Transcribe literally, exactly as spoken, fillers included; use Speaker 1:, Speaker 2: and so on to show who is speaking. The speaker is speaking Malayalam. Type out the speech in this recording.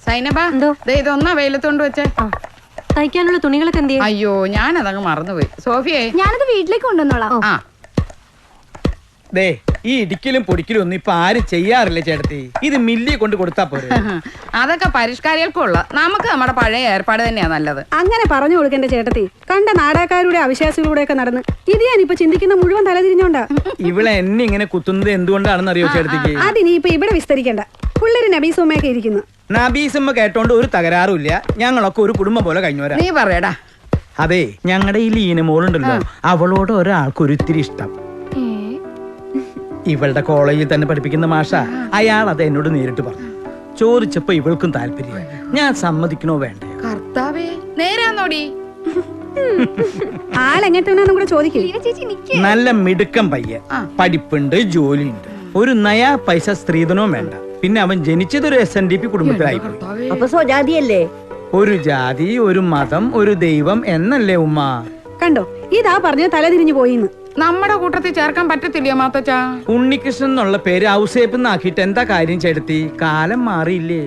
Speaker 1: സൈനബ ഇതൊന്നാ വെയിലത്തോണ്ട് വെച്ചേ.
Speaker 2: തയ്ക്കാനുള്ള തുണികളൊക്കെ എന്ത്?
Speaker 1: അയ്യോ ഞാനതങ്ങ് മറന്നുപോയി. സോഫിയേ
Speaker 3: ഞാനത് വീട്ടിലേക്ക് കൊണ്ടുവന്നോളാം.
Speaker 1: ആ
Speaker 4: ദേ ഈ ഇടിക്കലും പൊടിക്കലും ഒന്നും ഇപ്പൊ ആരും ചെയ്യാറില്ല ചേട്ടത്തി. ഇത് മില്ലി കൊണ്ട് കൊടുത്താ പോരെ.
Speaker 1: അതൊക്കെ പരിഷ്കാരികൾക്കുള്ള, നമുക്ക് നമ്മുടെ പഴയ ഏർപ്പാട് തന്നെയാ നല്ലത്.
Speaker 5: അങ്ങനെ പറഞ്ഞു കൊടുക്കേണ്ട ചേട്ടത്തി. കണ്ട നാടകക്കാരുടെ അവിശ്വാസികളുടെ ഒക്കെ നടന്ന് ഇത് ഞാനിപ്പോ ചിന്തിക്കുന്ന മുഴുവൻ തലതിരിഞ്ഞോണ്ടാ.
Speaker 4: ഇവിടെ എന്നെ ഇങ്ങനെ കുത്തുന്നത് എന്തുകൊണ്ടാണെന്ന് അറിയോ ചേട്ടത്തിക്ക്?
Speaker 5: അതിനിപ്പൊ ഇവിടെ വിസ്തരിക്കണ്ട. പിള്ളേര് നബീസുമ്മയൊക്കെ ഇരിക്കുന്നു.
Speaker 4: നബീസുമ്മ കേട്ടോണ്ട് ഒരു തകരാറുമില്ല. ഞങ്ങളൊക്കെ ഒരു കുടുംബം പോലെ കഴിഞ്ഞവരാ.
Speaker 1: നീ പറയടാ.
Speaker 4: അതെ, ഞങ്ങളുടെ ഈ ലീനമോളുണ്ടല്ലോ, അവളോട് ഒരാൾക്ക് ഒരിത്തിരി ഇഷ്ടം. ഇവളുടെ കോളേജിൽ തന്നെ പഠിപ്പിക്കുന്ന മാഷ, അയാൾ അത് എന്നോട് നേരിട്ട് പറഞ്ഞു. ചോദിച്ചപ്പോ ഇവൾക്കും താല്പര്യം. ഞാൻ സമ്മതിക്കണോ വേണ്ടേ?
Speaker 1: കർത്താവേ, നേരാന്നോടി?
Speaker 5: ആളെങ്ങനത്തെ കൂടെ ചോദിക്കും.
Speaker 4: നല്ല മിടുക്കം പയ്യൻ, പഠിപ്പുണ്ട്, ജോലിയുണ്ട്, ഒരു നയാ പൈസ സ്ത്രീധനവും വേണ്ട. പിന്നെ അവൻ ജനിച്ചതൊരു എസ് എൻ ഡി പി കുടുംബത്തിലായി.
Speaker 2: അപ്പൊ സ്വജാതിയല്ലേ?
Speaker 4: ഒരു ജാതി, ഒരു മതം, ഒരു ദൈവം എന്നല്ലേ ഉമ്മ?
Speaker 5: കണ്ടോ, ഇതാ പറഞ്ഞ തലതിരിഞ്ഞു പോയിന്ന്.
Speaker 1: നമ്മുടെ കൂട്ടത്തിൽ ചേർക്കാൻ പറ്റത്തില്ലയോ മാത്തച്ചാ?
Speaker 4: ഉണ്ണികൃഷ്ണൻ എന്നുള്ള പേര് ഔസേപ്പ് എന്നാക്കിയിട്ട് എന്താ കാര്യം ചേട്ടത്തി? കാലം മാറിയില്ലേ?